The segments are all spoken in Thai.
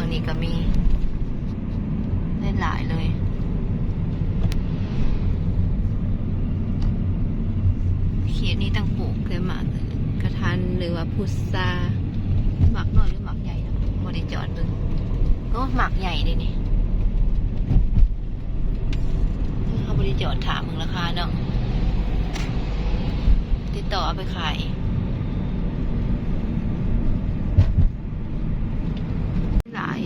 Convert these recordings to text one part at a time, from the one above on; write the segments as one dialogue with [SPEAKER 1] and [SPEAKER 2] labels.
[SPEAKER 1] นี้ก็มีได้หลายเลยเขียนนี้ตั้งปลูกเลยหมากกระทันหรือว่าพุทราหมากน้อยหรือหมากใหญ่นะบริจอดเบิ่งก็หมากใหญ่เลยนี่เขาบริจอดถามมึงราคาเนาะติดต่อเอาไปขายหลาย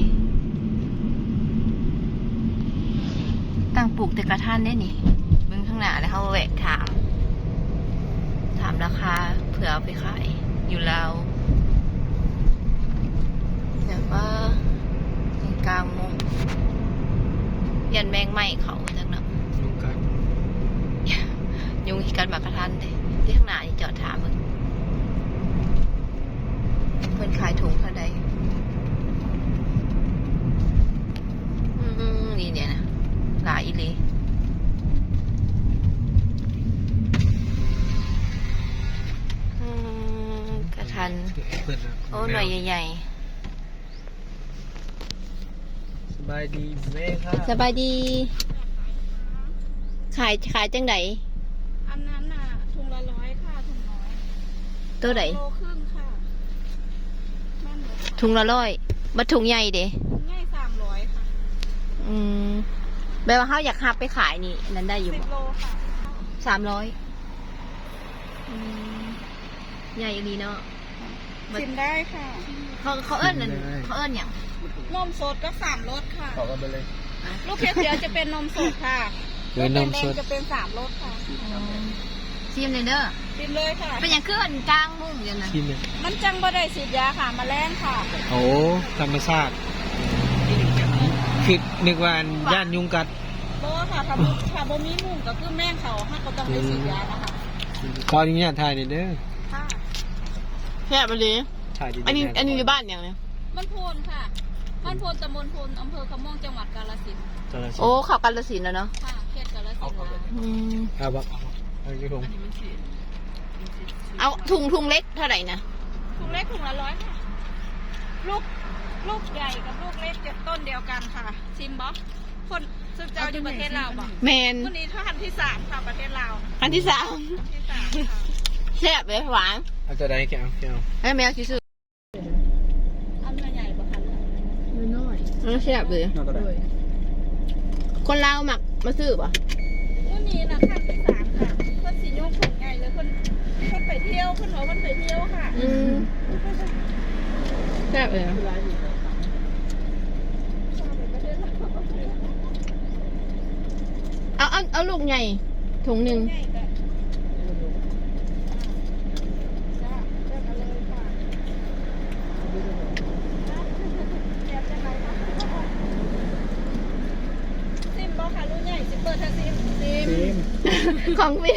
[SPEAKER 1] ตั้งปลูกแต่กระทันได้นี่เบิ่งข้างหน้าแล้วเขาแวะถามราคาเผื่อเอาไปขายอยู่แล้วแต่ว่ากลางมุงยันแมงไหม้เขาจังนะยุงกันมากระทันเลยที่ข้างหน้านี่จอดถามมึงเพิ่นขายถุงเท่าใดนี่เนี่ยนะหลายอีหลีกระทันโอ้หน่อยใหญ่
[SPEAKER 2] ๆสบายดีแม่ค่ะ
[SPEAKER 1] สบายดีขายจังได
[SPEAKER 3] อันนั้นน่ะถุงละ100ค่ะถุงน้อย
[SPEAKER 1] ตัวไหน
[SPEAKER 3] โลครึ่งค่ะ
[SPEAKER 1] ถุงละ100บัดถุงใหญ่เด้
[SPEAKER 3] ถุงใหญ่300ค่ะ
[SPEAKER 1] แปลว่าเขาอยากหับไปขายนี่นั้นได้อยู่
[SPEAKER 3] 10 โลค่ะ
[SPEAKER 1] 300ใหญ่ดีเนาะ
[SPEAKER 3] ชิมได้ค่ะ
[SPEAKER 1] เขาเอิ้นนั่นเขาเอิ้นอย่าง
[SPEAKER 3] นมสดก็3 รสค่ะ
[SPEAKER 2] ขอกันไปเลย
[SPEAKER 3] ลูกเขียวจะเป็นนมสดค่ะลูกแดงจะเป็น3 รสค่ะ
[SPEAKER 1] ชิมเลยเด้อ
[SPEAKER 3] ชิมเลยค่ะ
[SPEAKER 1] เป็นอย่างขึ้นกลางมุ้งอย่างนั้น
[SPEAKER 3] มันจังบ่ได้ฉีดยาค่ะแมลงค่ะ
[SPEAKER 2] โอ้ธรรมชาติคิดนึกว่าย่านยุงกัด
[SPEAKER 3] โลค่ะถ้าบ่มีมุ้งก็คือแม่งเขาก็ต้องได้ฉีดยานะคะ
[SPEAKER 2] ขออนุญาตถ่ายหน่อยเด้อ
[SPEAKER 3] ค่ะ
[SPEAKER 1] แค่ไปเลยอันนี้อยู่บ้านอย่างเนี้ย
[SPEAKER 3] บ้านโพนค่ะบ้านโพนตำบลโพนอำเภอคำม่วงจังหวัดกาฬสินธุ์
[SPEAKER 1] โอ้ข่าวกาฬสินธุ์แล้วเนาะ
[SPEAKER 3] ค่ะเขตกาฬสินธุ์
[SPEAKER 2] เอาบักเอา
[SPEAKER 1] ถุงเล็กเท่าไหร่นะ
[SPEAKER 3] ถุงเล็กถุงละ100ค่ะลูกใหญ่กับลูกเล็กจะต้นเดียวกันค่ะชิมบ๊อบคนสุดเจ้าอยู่ประเทศลาวบ่
[SPEAKER 1] แมน
[SPEAKER 3] วันนี้ท่านที่3ค่ะประเทศลาว
[SPEAKER 1] อันที่ 3
[SPEAKER 3] ค่ะ
[SPEAKER 1] แซ่บเลยหวาน
[SPEAKER 2] เอาจะได้แก้ว
[SPEAKER 1] ให้แมวซื้อ
[SPEAKER 3] อันใหญ่ป่ะคะ
[SPEAKER 1] น้อยแซ่บเลยคนลาวหมักมาซื้อป่ะ
[SPEAKER 3] วันนี้นะท่านที่3ค่ะเพื่อนสีโยกถุงใหญ่เลยคนไปเที่ยวคนบอกคนไปเที่ยวค่ะ
[SPEAKER 1] แซ่บเลยเอาลูกใหญ่ถุงหนึ่ง
[SPEAKER 3] ซิมบอกค่ะลูกใหญ่ซิมเปิดท่าซิม
[SPEAKER 1] ของพี่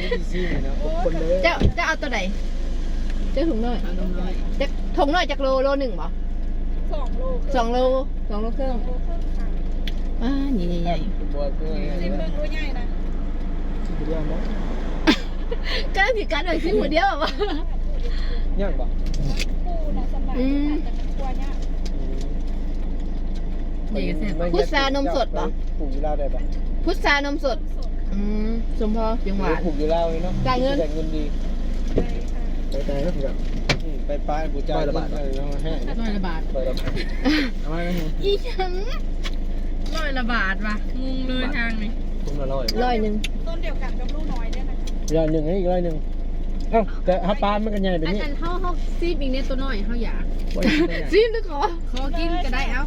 [SPEAKER 2] จะ
[SPEAKER 1] เอาตัวไหนจะถุงน้อยจะถุงน้อยจากโล1บ่2 โลครึ่งนี่ใหญ่
[SPEAKER 3] ซิมเบิ้งลูกใหญ่นะ
[SPEAKER 1] ก็ผิดกันหน่อยซิมหัวเดียวป่ะ
[SPEAKER 2] ย่างป่ะ
[SPEAKER 3] ปูนะสบายแต่มันกลัวเนี่ย
[SPEAKER 1] พุทรานมสดป่ะ
[SPEAKER 2] ปลูกอยู่ลาวได้ป่ะ
[SPEAKER 1] พุทรานมสดสมพอยังหวาน
[SPEAKER 2] ปลูกอยู่ลาวเลยเนาะ
[SPEAKER 1] จ่ายเงิน
[SPEAKER 2] ดีไปก็ถือแบบไปป้ายบูจ่าย100 บาทเลยนะแห้ง
[SPEAKER 1] 100 บาท
[SPEAKER 2] เอาไว้
[SPEAKER 1] อีฉัน100 บาทว่ะงงเลยทางนี้
[SPEAKER 2] ถุงละ100
[SPEAKER 3] ต้นเดียวกันกับลูกน้อยเนี่ยนะคะ
[SPEAKER 2] 100ให้อีก100เอ้าแต่ถ้าปลามันกันใหญ่แบบนี้
[SPEAKER 1] อาจารย์เขาซีบอีกเนี่ยตัวน้อยเขาอยากซีบหรือขอกินก็ได้เอ้า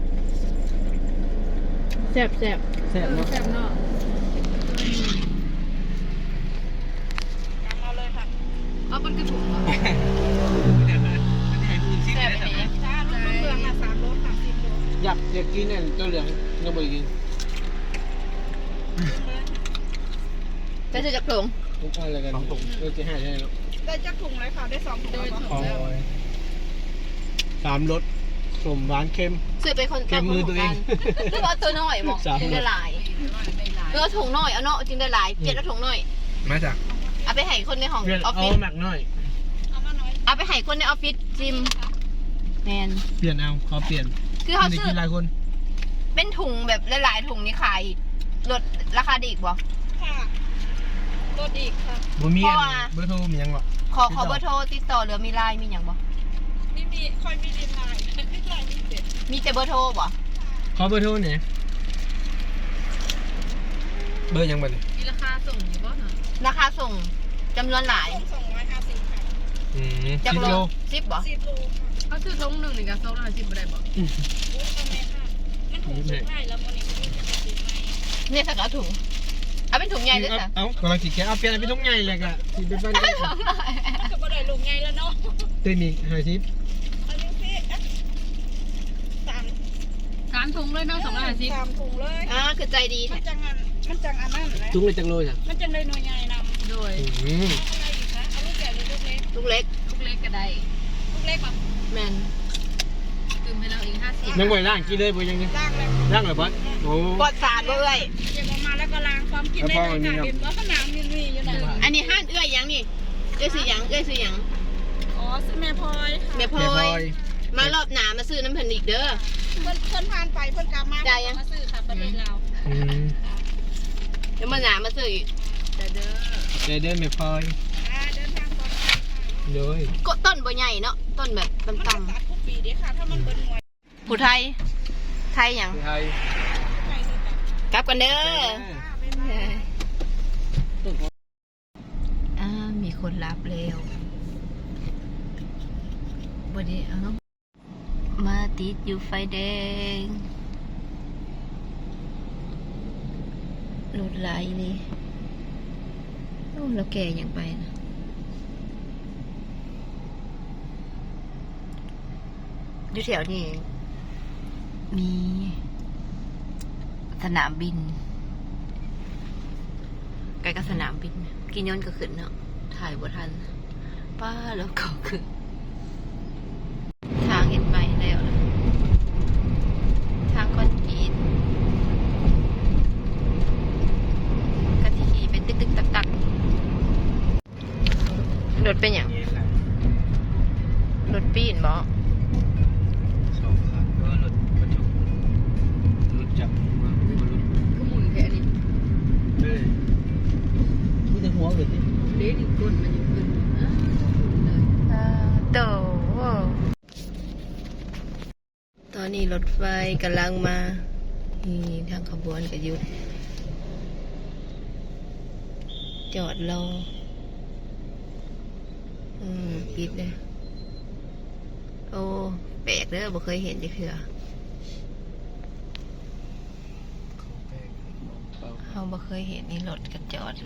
[SPEAKER 1] แซ่บเนาะ
[SPEAKER 3] เอาเลยค่ะ
[SPEAKER 1] เอาเป็นกระปุก
[SPEAKER 3] แซ่บไปเนี่ยจ้าลูกเหลืองอ่ะ3 รสค่ะ10 โล
[SPEAKER 2] อยากกินเนี่ยตัวเหลืองยังไม่กิน
[SPEAKER 1] จะจากถุง
[SPEAKER 2] ทุกอะไรกันถุงจะให้ใช่ไหม
[SPEAKER 3] ได้จากถุงเลยค่ะได้2 ถุง
[SPEAKER 2] 3 รสสมหวานเค็ม
[SPEAKER 1] ซื้อไปคน
[SPEAKER 2] เค็มมือตัวเอง
[SPEAKER 1] หรือว่าตัวน้อยหมอจึงได้หลายถุงน้อยเอาเนาะจึงได้หลายเปลี่ยนแล้วถุงน้อย
[SPEAKER 2] มาจาก
[SPEAKER 1] เอาไปให้คนในห้องออฟฟิศ
[SPEAKER 2] เอาหมักน้อย
[SPEAKER 1] เอาไปให้คนในออฟฟิศจิมแมมน
[SPEAKER 2] เปลี่ยนเอาขอเปลี่ยน
[SPEAKER 1] คือเขา
[SPEAKER 2] ไม่ได้
[SPEAKER 1] ซื้อ
[SPEAKER 2] กินหลายคน
[SPEAKER 1] เป็นถุงแบบหลายๆถุงนี่ขายลดราคาดีอีกบ่
[SPEAKER 3] ค่ะรถอีกค่ะ
[SPEAKER 2] บ่มี
[SPEAKER 1] เพ
[SPEAKER 2] อั
[SPEAKER 1] ราะ
[SPEAKER 2] น
[SPEAKER 1] ว่า
[SPEAKER 2] เบอร์โทรมีหยังหรอ
[SPEAKER 1] ขอเบอร์โทรติดต่อหรือมีไลน์มีอย่างบ่
[SPEAKER 3] นี่มีคอยมีดินไลน์ดินไลน์มีเจ็ด
[SPEAKER 1] มีแต่เบอร์โทรบ่
[SPEAKER 2] ขอเบอร์โทรหน่อยเบอร์หยังบ่เนี่ย
[SPEAKER 3] มีราคาส่งอยู่บ่เนาะ
[SPEAKER 1] ราคาส่งจำนวนหลาย
[SPEAKER 3] 250ค่ะ
[SPEAKER 1] จาก
[SPEAKER 2] 10
[SPEAKER 1] โล
[SPEAKER 2] โล
[SPEAKER 1] 10บ่
[SPEAKER 3] 10 โลค่ะ
[SPEAKER 4] เขาซื้อทงหนึ่งนี่ก็250บ่ได้บ่
[SPEAKER 3] โอ้ตอนนี้ค่ะมันถูกสุดท้ายแล้วมันนี่ก็จะไปซื้อใหม่
[SPEAKER 1] เนี่ยสักเอาถุงเอาเป็นถุงใหญ่ด้วยจ้ะ
[SPEAKER 2] เอ้ากำลังสิแกะเอาเปลี่ยนเป็นทุกใหญ่เลยกะสิเป็นบ้าน
[SPEAKER 3] มันก็บ่ได้ลงไงแล้วเนาะ
[SPEAKER 2] เต็มอีก50
[SPEAKER 3] เอาจังซี่อ่ะสาม
[SPEAKER 4] การทงเลยเนาะ250
[SPEAKER 3] สามถุงเลย
[SPEAKER 1] คือใจดี
[SPEAKER 3] มั
[SPEAKER 1] แท้
[SPEAKER 3] นจังอันนั้นนะ
[SPEAKER 2] ถุงเลยจังโลจ้ะ
[SPEAKER 3] มันจังเลยหน่วยใหญ่นำ
[SPEAKER 4] โดย
[SPEAKER 2] อืม
[SPEAKER 3] อะไรอีกคะเอาลูกใหญ่หรือลูกเล็ก
[SPEAKER 1] ลูกเล็ก
[SPEAKER 4] ลูกเล็กก็ได้
[SPEAKER 3] ลูกเล็กป่ะ
[SPEAKER 1] แมน
[SPEAKER 4] ตื่มให้เราอีก50
[SPEAKER 2] ยังบ่ได้ล้างกินเลยบ่ยังนี่
[SPEAKER 3] ล้างแล้ว
[SPEAKER 2] ล้างเลยบ่โอ้
[SPEAKER 1] ปลอดสารบ่เอ้ย
[SPEAKER 3] เก็บออกมาแล้วก็ล้างความกินได้เลยค่ะเห็นว่าขนามมีอยู่ไหน
[SPEAKER 1] อันนี้ห้านเอ้ยยังนี่เอ้ยซื้อหยังเอ้ยซื้อหยัง
[SPEAKER 3] อ๋อซื้อแม่พลอยค่ะ
[SPEAKER 1] แม่พล
[SPEAKER 2] แม่พล
[SPEAKER 1] อ
[SPEAKER 2] อย ย
[SPEAKER 1] มารอบหนามาซื้อน้ำเพิ่นอีกเด้อ
[SPEAKER 3] เพิ่นผ่านไปเพิ่นกลับมา
[SPEAKER 1] ได้ยัง
[SPEAKER 3] มาซื้อค่ะประเด็นเรา
[SPEAKER 2] อืม
[SPEAKER 1] เดี๋ยวมาหนามาซื้ออีก
[SPEAKER 4] แต่เด้อ
[SPEAKER 2] ใจเดินแม่พลอย
[SPEAKER 3] เดินทางปลอดภัยค่ะ
[SPEAKER 2] โดย
[SPEAKER 1] ก็ต้นบ่ใหญ่เนาะต้นแบบ
[SPEAKER 3] มันจะ
[SPEAKER 1] ต่ำ
[SPEAKER 3] ตัดทุกปีเด้ค่ะ ถ้ามันเบิ้ลหน่วย
[SPEAKER 1] ๆผู้ไทยไทยหยัง
[SPEAKER 2] ไทย
[SPEAKER 3] ใครซื้อตัด
[SPEAKER 1] กลับกันเด้อ มีคนรับแล้ววันนี้เอามาติดอยู่ไฟแดงรถไหลเลยโอ้เราแก่ยังไปนะอยู่แถวนี้มีสนามบินใกล้กับสนามบิน กินย้อนก็ขึ้นเนาะถ่ายบ่ทัน ป้าแล้วก็ขึ้น ทางเห็นไหมแล้วนะทางคอนกรีตกะทิขี่เป็นตึกๆตักๆรถเป็นอย่างรถปีนบ่
[SPEAKER 2] สองคันก็รถบรรทุกรถจักรมารถ
[SPEAKER 4] ก็หมุนแค่นี้
[SPEAKER 2] เลยมีแต่หัวเลยดิ
[SPEAKER 4] เด้นี่ก้นมันยังขึ้นเลย
[SPEAKER 1] โตตอนนี้รถไฟกำลังมานี่ทางขบวนก็หยุด จอดรอปิดเลยโอ้แปลกเด้อบ่เคยเห็นจักเทื่อเราบ่เคยเห็นนี่รถก็จอด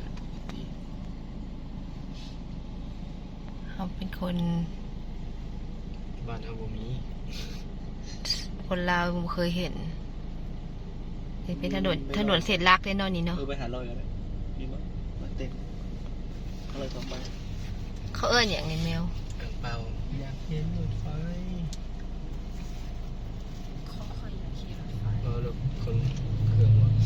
[SPEAKER 1] เราเป็นคน
[SPEAKER 2] บ้านเฮาบ่มี
[SPEAKER 1] คนลาวบ่เคยเห็นนี่เป็นถนนเส้นลักแน่นอนนี่เนาะ
[SPEAKER 2] ไปหาลอยกันเลยมีบ่มาเต้นเขาเลยต้องไป
[SPEAKER 1] เขาเอิ้นอย่างนี้แมว
[SPEAKER 2] อ่างเปาอยากเห็นรถไฟ
[SPEAKER 4] เขาเคยขี่รถไฟ
[SPEAKER 2] รถคนเครื่องว่ะ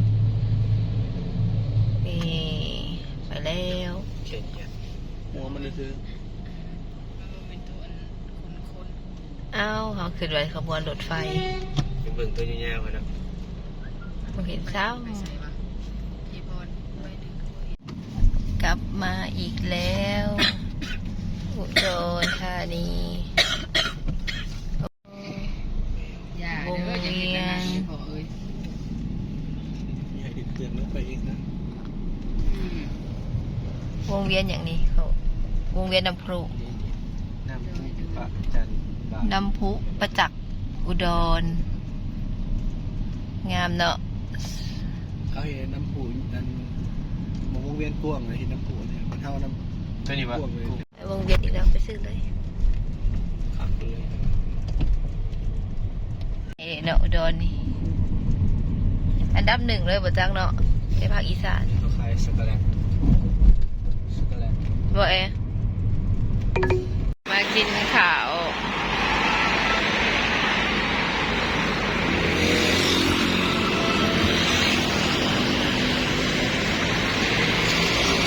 [SPEAKER 1] นี่ไปแล้ว
[SPEAKER 2] เขียนเขียนหัวมันซื้อ
[SPEAKER 4] มันเป็นตัวคน
[SPEAKER 1] เอ้าเขาขึ้นไปขบวนรถไฟ
[SPEAKER 2] เป็นเบิ่งตัวยาวๆนะ
[SPEAKER 1] บ่เห็นเช้า
[SPEAKER 4] ไปใส่ปะพี่บอลไปดึงเขาเห็น
[SPEAKER 1] กลับมาอีกแล้ว อุดรธานี
[SPEAKER 4] อย่าเด้ออย่าเห็นนะพี่ขอเอ้ย
[SPEAKER 2] มีให้ติดเตือนมันไปเองนะ
[SPEAKER 1] วงเวียนอย่างนี้เขาวงเวียนน้ำพุ
[SPEAKER 2] น้ำพุปะจันบา
[SPEAKER 1] น้ำพุประจักษ์อุดร งามเนาะ
[SPEAKER 5] เขาเห็นน้ำปูนั่นมองวงเวียนกว้างเลยเห็นน้ำปูเนี่ยมันเท่าน้ำ
[SPEAKER 2] ตัวนี้วะ
[SPEAKER 5] กว้างเลย
[SPEAKER 1] ไปวงเวียนอีกแล้วไปซื้อเลย
[SPEAKER 2] ขับเลย
[SPEAKER 1] เนาะอุดรนี่อันดับ1เลยบ่จังเนาะในภาคอีสาน
[SPEAKER 2] เขาขายสกแลตสกแลต
[SPEAKER 1] บ่มากินข้าว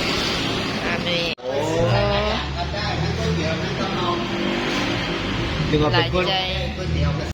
[SPEAKER 1] อันนี้
[SPEAKER 2] เนึกว่า
[SPEAKER 1] ห
[SPEAKER 2] เป็
[SPEAKER 1] ลาน ย
[SPEAKER 2] คน
[SPEAKER 1] ใจ